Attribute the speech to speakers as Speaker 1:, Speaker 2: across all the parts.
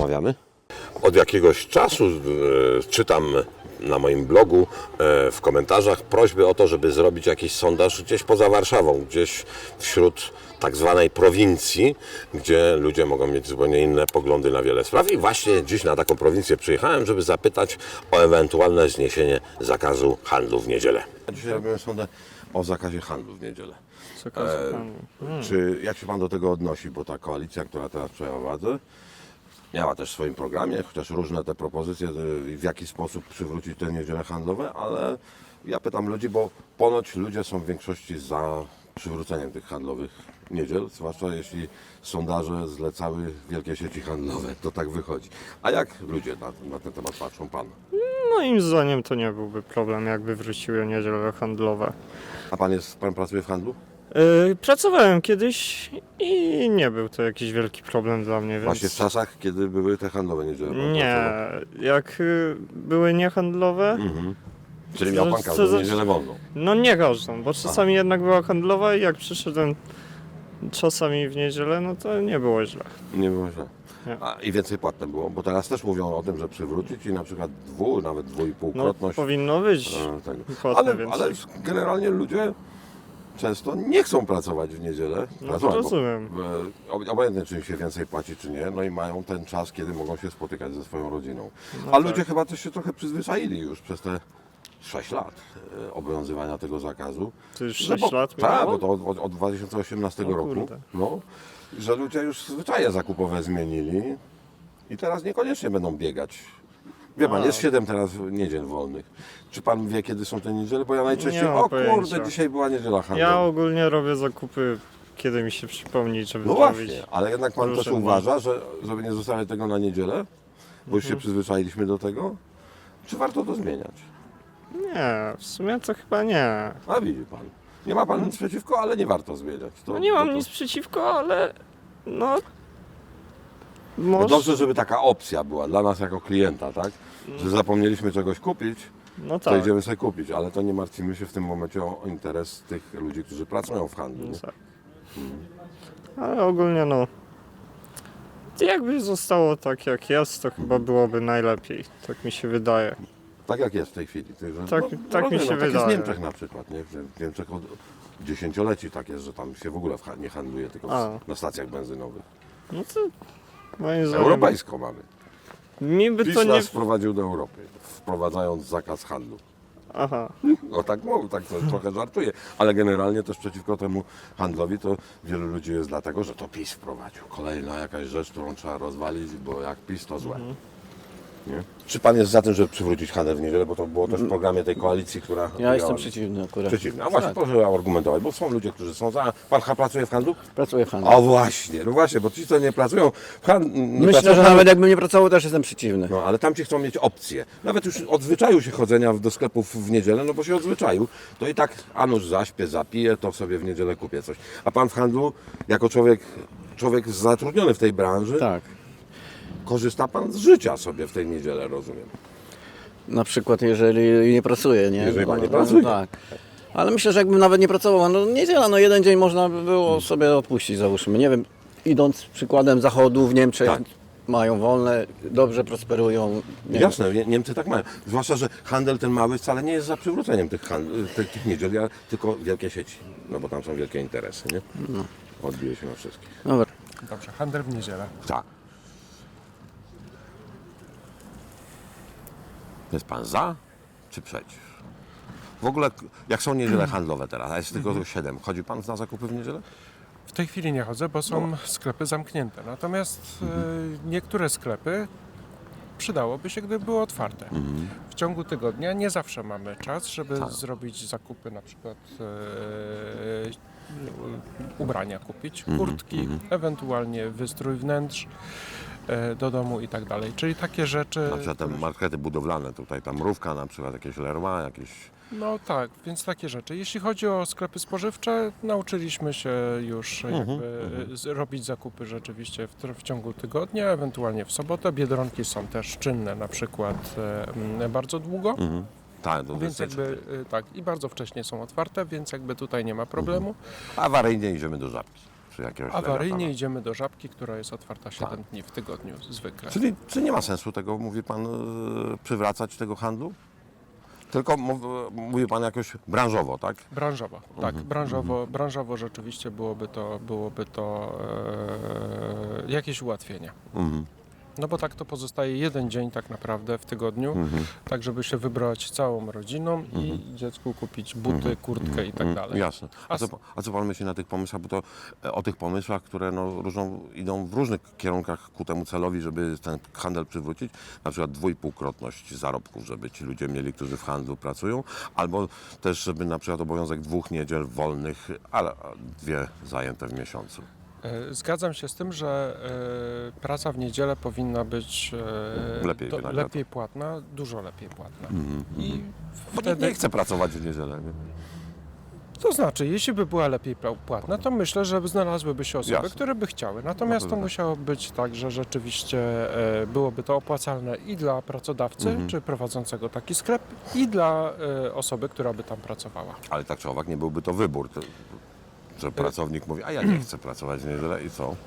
Speaker 1: rozmawiamy? Od jakiegoś czasu czytam na moim blogu w komentarzach prośby o to, żeby zrobić jakiś sondaż gdzieś poza Warszawą, gdzieś wśród tak zwanej prowincji, gdzie ludzie mogą mieć zupełnie inne poglądy na wiele spraw. I właśnie dziś na taką prowincję przyjechałem, żeby zapytać o ewentualne zniesienie zakazu handlu w niedzielę. Dzisiaj robimy sondę o zakazie handlu w niedzielę. Jak się Pan do tego odnosi? Bo ta koalicja, która teraz przejęła władzę, miała też w swoim programie, chociaż różne te propozycje, w jaki sposób przywrócić te niedziele handlowe, ale ja pytam ludzi, bo ponoć ludzie są w większości za przywróceniem tych handlowych niedziel, zwłaszcza jeśli sondaże zlecały wielkie sieci handlowe, to tak wychodzi. A jak ludzie na ten temat patrzą, Pan?
Speaker 2: Moim zdaniem to nie byłby problem, jakby wróciły niedziele handlowe.
Speaker 1: A Pan pracuje w handlu?
Speaker 2: Pracowałem kiedyś i nie był to jakiś wielki problem dla mnie, więc...
Speaker 1: Właśnie w czasach, kiedy były te handlowe niedziele. Pan
Speaker 2: Nie,
Speaker 1: pracował.
Speaker 2: jak były niehandlowe,
Speaker 1: Czyli miał Pan
Speaker 2: co
Speaker 1: każdą
Speaker 2: za-
Speaker 1: niedzielę wolną.
Speaker 2: no nie każdą, bo czasami jednak była handlowa i jak przyszedłem czasami w niedzielę, no to nie było źle.
Speaker 1: Nie było źle.
Speaker 2: Nie.
Speaker 1: I więcej płatne było, bo teraz też mówią o tym, że przywrócić i na przykład nawet
Speaker 2: No
Speaker 1: dwuipółkrotność
Speaker 2: powinno być
Speaker 1: tego.
Speaker 2: płatne
Speaker 1: Ale
Speaker 2: więcej.
Speaker 1: generalnie ludzie często nie chcą pracować w niedzielę.
Speaker 2: No to rozumiem.
Speaker 1: Obojętnie, czy im się więcej płaci, czy nie, no i mają ten czas, kiedy mogą się spotykać ze swoją rodziną.
Speaker 2: No
Speaker 1: A
Speaker 2: tak.
Speaker 1: ludzie chyba też się trochę przyzwyczaili już przez te 6 lat obowiązywania tego zakazu.
Speaker 2: To już
Speaker 1: Że
Speaker 2: 6 lat
Speaker 1: Tak,
Speaker 2: minęło?
Speaker 1: bo to od 2018
Speaker 2: O
Speaker 1: roku.
Speaker 2: kurde.
Speaker 1: No, że ludzie już zwyczaje zakupowe zmienili i teraz niekoniecznie będą biegać. Wie Pan,
Speaker 2: A.
Speaker 1: jest 7 teraz niedziel wolnych. Czy Pan wie, kiedy są te niedziele? Bo ja najczęściej,
Speaker 2: Nie mam
Speaker 1: o
Speaker 2: pojęcia.
Speaker 1: kurde, dzisiaj była niedziela handlowa.
Speaker 2: Ja ogólnie robię zakupy, kiedy mi się przypomni, żeby
Speaker 1: No
Speaker 2: zrobić.
Speaker 1: właśnie, ale jednak Pan też
Speaker 2: różne dni.
Speaker 1: uważa, że żeby nie zostawiać tego na niedzielę, bo już się
Speaker 2: Mhm.
Speaker 1: przyzwyczailiśmy do tego, czy warto to zmieniać?
Speaker 2: Nie, w sumie to chyba nie.
Speaker 1: A widzi Pan, nie ma Pan nic przeciwko, ale nie warto zmieniać.
Speaker 2: No nie mam nic przeciwko, ale no...
Speaker 1: No
Speaker 2: Może...
Speaker 1: dobrze, żeby taka opcja była dla nas jako klienta, tak? Że zapomnieliśmy czegoś kupić,
Speaker 2: No
Speaker 1: to
Speaker 2: tak.
Speaker 1: idziemy sobie kupić, ale to nie martwimy się w tym momencie o interes tych ludzi, którzy pracują w handlu.
Speaker 2: No
Speaker 1: Nie?
Speaker 2: tak. Ale ogólnie no... Jakby zostało tak jak jest, to chyba byłoby najlepiej. Tak mi się wydaje.
Speaker 1: Tak jak jest w tej chwili. Że,
Speaker 2: Tak mi się
Speaker 1: tak jest w
Speaker 2: wydaje.
Speaker 1: Niemczech na przykład, nie? Że w Niemczech od dziesięcioleci tak jest, że tam się w ogóle nie handluje, tylko
Speaker 2: A.
Speaker 1: na stacjach benzynowych.
Speaker 2: No to moim zdaniem...
Speaker 1: Europejsko mamy.
Speaker 2: Mi by
Speaker 1: PiS
Speaker 2: to nie...
Speaker 1: nas wprowadził do Europy, wprowadzając zakaz handlu.
Speaker 2: Aha.
Speaker 1: No tak mówię, tak to trochę żartuję, ale generalnie też przeciwko temu handlowi to wielu ludzi jest dlatego, że to PiS wprowadził. Kolejna jakaś rzecz, którą trzeba rozwalić, bo jak PiS to złe. Nie? Czy Pan jest za tym, żeby przywrócić handel w niedzielę, bo to było też w programie tej koalicji, która...
Speaker 3: Ja jestem przeciwny akurat.
Speaker 1: Przeciwny. A właśnie,
Speaker 3: Tak.
Speaker 1: proszę argumentować, bo są ludzie, którzy są za... Pan pracuje w handlu?
Speaker 3: Pracuję w handlu.
Speaker 1: O właśnie, no właśnie, bo ci, co nie pracują w handlu...
Speaker 3: Myślę, że nawet jakbym nie pracował, też jestem przeciwny.
Speaker 1: No, ale tamci chcą mieć opcję. Nawet już odzwyczaił się chodzenia do sklepów w niedzielę, no bo się odzwyczaił. To i tak, a nuż zaśpię, zapiję, to sobie w niedzielę kupię coś. A pan w handlu, jako człowiek zatrudniony w tej branży,
Speaker 3: Tak.
Speaker 1: korzysta pan z życia sobie w tej niedzielę, rozumiem.
Speaker 3: Na przykład jeżeli nie pracuję, nie?
Speaker 1: Jeżeli pan nie
Speaker 3: No,
Speaker 1: pracuje.
Speaker 3: tak. Ale myślę, że jakbym nawet nie pracował, no niedziela, no jeden dzień można by było sobie odpuścić, załóżmy. Nie wiem, idąc przykładem zachodu w Niemczech,
Speaker 1: Tak.
Speaker 3: mają wolne, dobrze prosperują. Nie
Speaker 1: Jasne, Niemcy tak mają. Zwłaszcza, że handel ten mały wcale nie jest za przywróceniem tych niedziel, tylko wielkie sieci. No bo tam są wielkie interesy, nie? Odbije się na wszystkich.
Speaker 3: Dobra.
Speaker 4: Dobrze, handel w niedzielę.
Speaker 1: Tak. Jest pan za czy przeciw? W ogóle, jak są niedziele handlowe teraz, a jest tylko 7, chodzi pan na zakupy w niedzielę?
Speaker 4: W tej chwili nie chodzę, bo są sklepy zamknięte. Natomiast niektóre sklepy przydałoby się, gdyby były otwarte. W ciągu tygodnia nie zawsze mamy czas, żeby zrobić zakupy, na przykład ubrania kupić, kurtki, ewentualnie wystrój wnętrz do domu i tak dalej. Czyli takie rzeczy...
Speaker 1: Na przykład te markety budowlane, tutaj ta Mrówka, na przykład jakieś Leroy, jakieś...
Speaker 4: No tak, więc takie rzeczy. Jeśli chodzi o sklepy spożywcze, nauczyliśmy się już robić zakupy rzeczywiście w ciągu tygodnia, ewentualnie w sobotę. Biedronki są też czynne na przykład bardzo długo.
Speaker 1: Tak, to
Speaker 4: Więc jakby tak i bardzo wcześnie są otwarte, więc jakby tutaj nie ma problemu.
Speaker 1: Awaryjnie idziemy do Żabki. czy jakiegoś
Speaker 4: Awaryjnie
Speaker 1: lewiatana.
Speaker 4: idziemy do Żabki, która jest otwarta 7 dni w tygodniu zwykle.
Speaker 1: Czyli czy nie ma sensu tego, mówi pan, przywracać tego handlu? Tylko mówi pan jakoś branżowo, tak?
Speaker 4: Branżowo, tak, branżowo rzeczywiście byłoby to jakieś ułatwienie. No bo tak to pozostaje jeden dzień tak naprawdę w tygodniu, tak żeby się wybrać całą rodziną i dziecku kupić buty, kurtkę i tak dalej.
Speaker 1: Jasne. A co pan myśli na tych pomysłach? Bo to o tych pomysłach, które no, idą w różnych kierunkach ku temu celowi, żeby ten handel przywrócić, na przykład 2,5-krotność zarobków, żeby ci ludzie mieli, którzy w handlu pracują, albo też, żeby na przykład obowiązek 2 niedziel wolnych, ale 2 zajęte w miesiącu.
Speaker 4: Zgadzam się z tym, że praca w niedzielę powinna być lepiej płatna, dużo lepiej płatna. I
Speaker 1: Bo nikt nie chce pracować w niedzielę. Nie?
Speaker 4: to znaczy, jeśli by była lepiej płatna, to myślę, że znalazłyby się osoby,
Speaker 1: Jasne.
Speaker 4: które by chciały. Natomiast to musiało być tak, że rzeczywiście byłoby to opłacalne i dla pracodawcy, czy prowadzącego taki sklep, i dla osoby, która by tam pracowała.
Speaker 1: Ale tak czy owak nie byłby to wybór, że pracownik mówi, a ja nie chcę pracować w niedzielę i co?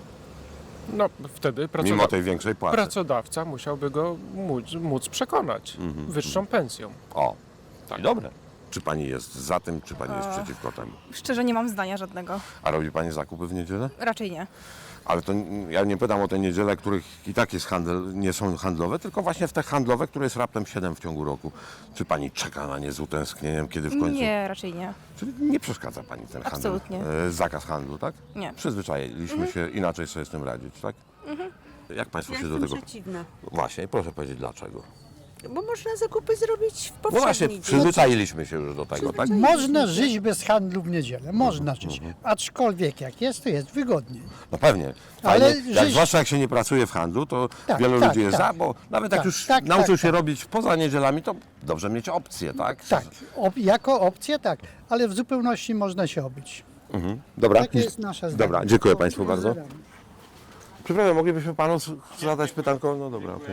Speaker 4: No wtedy
Speaker 1: Mimo tej większej płacy.
Speaker 4: pracodawca musiałby go móc przekonać wyższą pensją.
Speaker 1: O, i dobre. Czy pani jest za tym, czy pani jest przeciwko temu?
Speaker 5: Szczerze nie mam zdania żadnego.
Speaker 1: A robi pani zakupy w niedzielę?
Speaker 5: Raczej nie.
Speaker 1: Ale to ja nie pytam o te niedziele, których i tak jest handel, nie są handlowe, tylko właśnie w te handlowe, które jest raptem 7 w ciągu roku. Czy pani czeka na nie z utęsknieniem, kiedy w końcu...
Speaker 5: Nie, raczej nie.
Speaker 1: Czyli nie przeszkadza pani ten handel?
Speaker 5: Absolutnie.
Speaker 1: Zakaz handlu, tak?
Speaker 5: Nie.
Speaker 1: Przyzwyczailiśmy się inaczej sobie z tym radzić, tak? Jak państwo się do
Speaker 6: Jestem
Speaker 1: tego...
Speaker 6: przeciwna,
Speaker 1: Właśnie, proszę powiedzieć dlaczego.
Speaker 6: bo można zakupy zrobić w
Speaker 1: No
Speaker 6: powszedni
Speaker 1: właśnie,
Speaker 6: dzień.
Speaker 1: przyzwyczailiśmy się już do tego, tak?
Speaker 7: Można żyć bez handlu w niedzielę, można żyć. Aczkolwiek jak jest, to jest wygodniej.
Speaker 1: No pewnie.
Speaker 7: Ale
Speaker 1: Fajnie. Jak,
Speaker 7: żyć-
Speaker 1: zwłaszcza jak się nie pracuje w handlu, to
Speaker 7: Tak,
Speaker 1: wielu
Speaker 7: tak,
Speaker 1: ludzi jest
Speaker 7: tak.
Speaker 1: za, bo nawet jak
Speaker 7: Tak,
Speaker 1: już
Speaker 7: tak,
Speaker 1: nauczył
Speaker 7: tak,
Speaker 1: się
Speaker 7: tak.
Speaker 1: robić poza niedzielami, to dobrze mieć opcję, tak?
Speaker 7: Tak, jako opcję tak, ale w zupełności można się obyć.
Speaker 1: Dobra.
Speaker 7: Takie jest nasze zdanie.
Speaker 1: Dobra, dziękuję państwu bardzo.
Speaker 7: Pozdrawiam.
Speaker 1: Przepraszam, moglibyśmy panu zadać pytanko? No dobra, okej.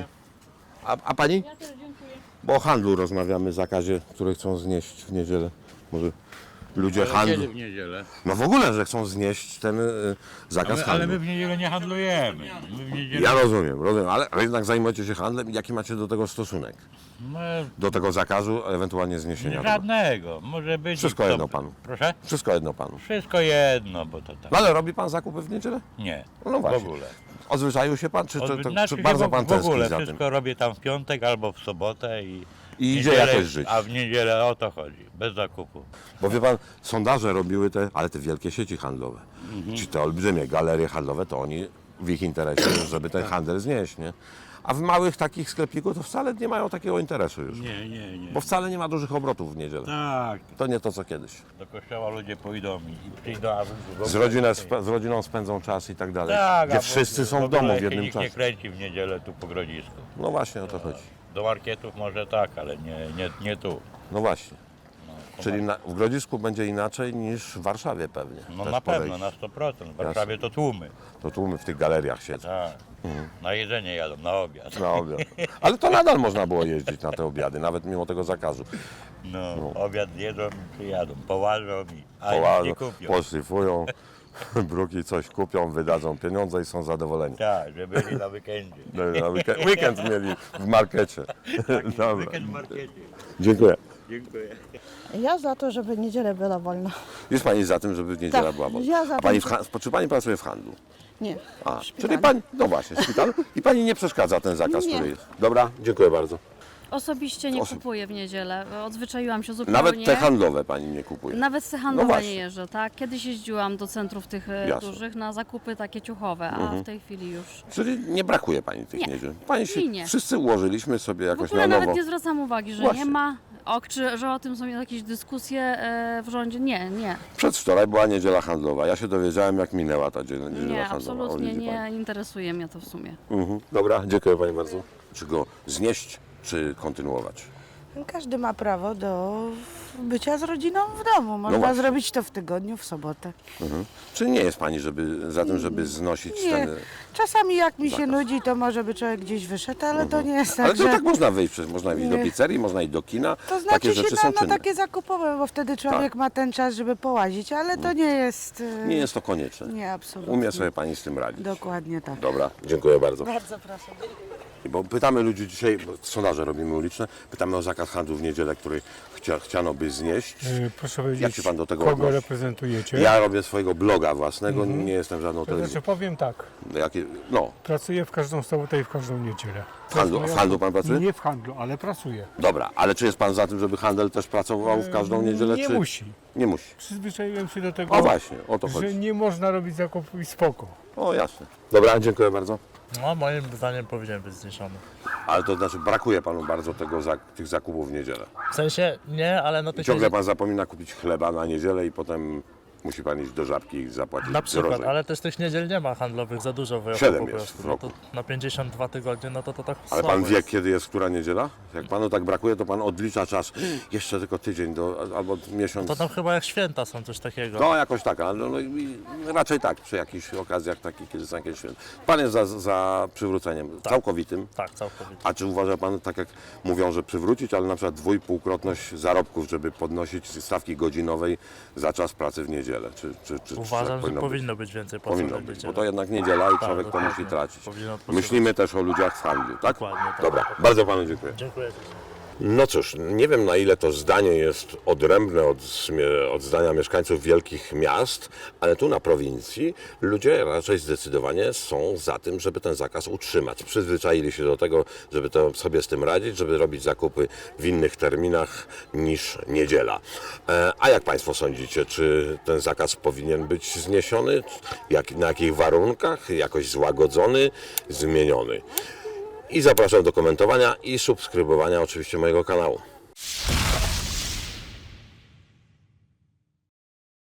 Speaker 1: A pani? Ja też dziękuję. Bo o handlu rozmawiamy, zakazie, który chcą znieść w niedzielę. Może ludzie handlu...
Speaker 8: Kiedy w niedzielę?
Speaker 1: No w ogóle, że chcą znieść ten zakaz handlu.
Speaker 8: Ale my w niedzielę nie handlujemy. My w niedzielę...
Speaker 1: Ja rozumiem, ale jednak zajmujecie się handlem. Jaki macie do tego stosunek?
Speaker 8: My...
Speaker 1: Do tego zakazu, ewentualnie zniesienia tego?
Speaker 8: Żadnego. Może być...
Speaker 1: Wszystko
Speaker 8: to-
Speaker 1: jedno panu.
Speaker 8: Proszę?
Speaker 1: Wszystko jedno panu.
Speaker 8: Wszystko jedno, bo to tak.
Speaker 1: No ale robi pan zakupy w niedzielę?
Speaker 8: Nie.
Speaker 1: No właśnie.
Speaker 8: W ogóle.
Speaker 1: Odzwyczaił się pan, czy,
Speaker 8: Znaczy
Speaker 1: czy bardzo
Speaker 8: się
Speaker 1: pan
Speaker 8: w ogóle
Speaker 1: tęskni za tym?
Speaker 8: wszystko robię tam w piątek albo w sobotę i
Speaker 1: idzie
Speaker 8: niedzielę-
Speaker 1: jakoś żyć.
Speaker 8: A w niedzielę o to chodzi. Bez zakupu.
Speaker 1: Bo wie pan, sondaże robiły ale te wielkie sieci handlowe, czy te olbrzymie galerie handlowe, to oni w ich interesie, żeby ten handel znieść, nie? A w małych takich sklepiku to wcale nie mają takiego interesu już.
Speaker 8: Nie.
Speaker 1: Bo wcale nie ma dużych obrotów w niedzielę.
Speaker 8: Tak.
Speaker 1: To nie to co kiedyś.
Speaker 8: Do kościoła ludzie pójdą i przyjdą, a
Speaker 1: Z rodziną spędzą czas i tak dalej.
Speaker 8: Tak,
Speaker 1: Gdzie
Speaker 8: a
Speaker 1: wszyscy są w
Speaker 8: ogóle
Speaker 1: domu w
Speaker 8: się
Speaker 1: jednym
Speaker 8: nikt nie
Speaker 1: czasie.
Speaker 8: kręci w niedzielę tu po Grodzisku.
Speaker 1: No właśnie o to chodzi.
Speaker 8: Do marketów może tak, ale nie tu.
Speaker 1: No właśnie. Czyli w Grodzisku będzie inaczej niż w Warszawie pewnie.
Speaker 8: No
Speaker 1: Też
Speaker 8: na pewno,
Speaker 1: podejść.
Speaker 8: na 100%. W Warszawie to tłumy.
Speaker 1: To tłumy w tych galeriach siedzą.
Speaker 8: Tak. Na jedzenie jadą, na obiad.
Speaker 1: Na obiad. Ale to nadal można było jeździć na te obiady, nawet mimo tego zakazu.
Speaker 8: No, obiad jedzą i przyjadą, połażą a
Speaker 1: Połażą,
Speaker 8: nie kupią.
Speaker 1: poszlifują, bruki coś kupią, wydadzą pieniądze i są zadowoleni.
Speaker 8: Tak, że byli na weekendzie.
Speaker 1: Na weekend mieli w markecie. Dobra.
Speaker 8: Weekend w markecie.
Speaker 1: Dziękuję.
Speaker 8: Dziękuję.
Speaker 9: Ja za to, żeby niedzielę była wolna.
Speaker 1: Jest Pani za tym, żeby niedziela
Speaker 9: Tak,
Speaker 1: była wolna?
Speaker 9: ja za
Speaker 1: A pani
Speaker 9: tym,
Speaker 1: czy Pani pracuje w handlu?
Speaker 9: Nie.
Speaker 1: A,
Speaker 9: w
Speaker 1: czyli
Speaker 9: szpitalu.
Speaker 1: Pani, no właśnie, w szpitalu. I Pani nie przeszkadza ten zakaz,
Speaker 9: Nie.
Speaker 1: który jest. Dobra, dziękuję bardzo.
Speaker 10: Osobiście nie kupuję w niedzielę. Odzwyczaiłam się zupełnie.
Speaker 1: Nawet te handlowe Pani nie kupuje.
Speaker 10: Nawet te handlowe
Speaker 1: właśnie.
Speaker 10: nie jeżdżę, tak? Kiedyś jeździłam do centrów tych
Speaker 1: Jasne.
Speaker 10: dużych na zakupy takie ciuchowe, a w tej chwili już.
Speaker 1: Czyli nie brakuje Pani tych
Speaker 10: Nie.
Speaker 1: niedziel. Pani się,
Speaker 10: Nie.
Speaker 1: wszyscy ułożyliśmy sobie
Speaker 10: W
Speaker 1: jakoś
Speaker 10: ogóle
Speaker 1: na
Speaker 10: nawet
Speaker 1: nowo.
Speaker 10: nie zwracam uwagi, że
Speaker 1: Właśnie.
Speaker 10: nie ma. Że o tym są jakieś dyskusje w rządzie. Nie.
Speaker 1: Przedwczoraj była niedziela handlowa. Ja się dowiedziałem, jak minęła ta niedziela
Speaker 10: Nie,
Speaker 1: handlowa. O,
Speaker 10: absolutnie
Speaker 1: widzi pani.
Speaker 10: nie interesuje mnie to w sumie.
Speaker 1: Dobra, dziękuję Pani bardzo. Czy go znieść, czy kontynuować?
Speaker 6: Każdy ma prawo do bycia z rodziną w domu. Można
Speaker 1: właśnie.
Speaker 6: zrobić to w tygodniu, w sobotę.
Speaker 1: Czy nie jest pani za tym, żeby znosić
Speaker 6: Nie.
Speaker 1: ten...
Speaker 6: Czasami jak mi się
Speaker 1: Zakaz.
Speaker 6: nudzi, to może by człowiek gdzieś wyszedł, ale to nie jest
Speaker 1: Ale
Speaker 6: tak,
Speaker 1: to
Speaker 6: że...
Speaker 1: tak można wyjść, przecież można iść do
Speaker 6: Nie.
Speaker 1: pizzerii, można iść do kina.
Speaker 6: To znaczy
Speaker 1: takie
Speaker 6: się
Speaker 1: rzeczy są
Speaker 6: na
Speaker 1: czynne.
Speaker 6: takie zakupowe, bo wtedy człowiek ma ten czas, żeby połazić, ale to nie jest...
Speaker 1: Nie jest to konieczne.
Speaker 6: Nie, absolutnie.
Speaker 1: Umie sobie pani z tym radzić.
Speaker 6: Dokładnie tak.
Speaker 1: Dobra, dziękuję bardzo.
Speaker 6: Bardzo proszę.
Speaker 1: Bo pytamy ludzi dzisiaj, bo sondaże robimy uliczne, pytamy o zakaz handlu w niedzielę, który chciano by znieść.
Speaker 11: Proszę powiedzieć,
Speaker 1: Jak się pan do tego
Speaker 11: kogo
Speaker 1: odnosi?
Speaker 11: reprezentujecie?
Speaker 1: Ja robię swojego bloga własnego, nie jestem żadną
Speaker 11: To
Speaker 1: telewizją.
Speaker 11: znaczy powiem tak,
Speaker 1: No,
Speaker 11: pracuję w każdą sobotę i w każdą niedzielę.
Speaker 1: w handlu pan pracuje?
Speaker 11: Nie w handlu, ale pracuję.
Speaker 1: Dobra, ale czy jest pan za tym, żeby handel też pracował w każdą niedzielę?
Speaker 11: Nie
Speaker 1: czy...
Speaker 11: musi.
Speaker 1: Nie musi.
Speaker 11: Przyzwyczaiłem się do tego,
Speaker 1: O właśnie, o to
Speaker 11: że
Speaker 1: chodzi.
Speaker 11: nie można robić zakupów i spoko.
Speaker 1: O jasne. Dobra, dziękuję bardzo.
Speaker 8: No, moim zdaniem powinien być zniesiony.
Speaker 1: Ale to znaczy brakuje panu bardzo tych zakupów w niedzielę.
Speaker 8: W sensie nie, ale no
Speaker 1: I ciągle pan zapomina kupić chleba na niedzielę i potem musi pan iść do Żabki i zapłacić
Speaker 8: na przykład,
Speaker 1: drożej.
Speaker 8: ale też tych niedziel nie ma handlowych za dużo w roku
Speaker 1: 7
Speaker 8: po
Speaker 1: jest
Speaker 8: prostu.
Speaker 1: w
Speaker 8: No to
Speaker 1: roku.
Speaker 8: na 52 tygodnie, no to tak
Speaker 1: Ale
Speaker 8: słabo
Speaker 1: pan wie,
Speaker 8: jest.
Speaker 1: kiedy jest która niedziela? Jak panu tak brakuje, to pan odlicza czas. Jeszcze tylko tydzień albo miesiąc.
Speaker 8: To tam chyba jak święta są coś takiego.
Speaker 1: No jakoś tak, ale i raczej tak, przy jakichś okazjach takich, kiedy są jakieś święta. Pan jest za przywróceniem całkowitym.
Speaker 8: Tak, całkowicie.
Speaker 1: A czy uważa pan, tak jak mówią, że przywrócić, ale na przykład 2,5-krotność zarobków, żeby podnosić stawki godzinowej za czas pracy w niedzielę? Czy
Speaker 8: Uważam,
Speaker 1: tak
Speaker 8: że powinno być więcej płacy
Speaker 1: Powinno
Speaker 8: w
Speaker 1: być,
Speaker 8: niedzielę.
Speaker 1: bo to jednak niedziela i
Speaker 8: Tak,
Speaker 1: człowiek to
Speaker 8: dokładnie.
Speaker 1: musi tracić.
Speaker 8: Powinien odpoczywać.
Speaker 1: Myślimy też o ludziach w handlu, tak?
Speaker 8: Dokładnie tak.
Speaker 1: Dobra, bardzo panu dziękuję.
Speaker 8: Dziękuję.
Speaker 1: No cóż, nie wiem na ile to zdanie jest odrębne od zdania mieszkańców wielkich miast, ale tu na prowincji ludzie raczej zdecydowanie są za tym, żeby ten zakaz utrzymać. Przyzwyczaili się do tego, żeby to sobie z tym radzić, żeby robić zakupy w innych terminach niż niedziela. A jak Państwo sądzicie, czy ten zakaz powinien być zniesiony? Na jakich warunkach? Jakoś złagodzony? Zmieniony? I zapraszam do komentowania i subskrybowania oczywiście mojego kanału.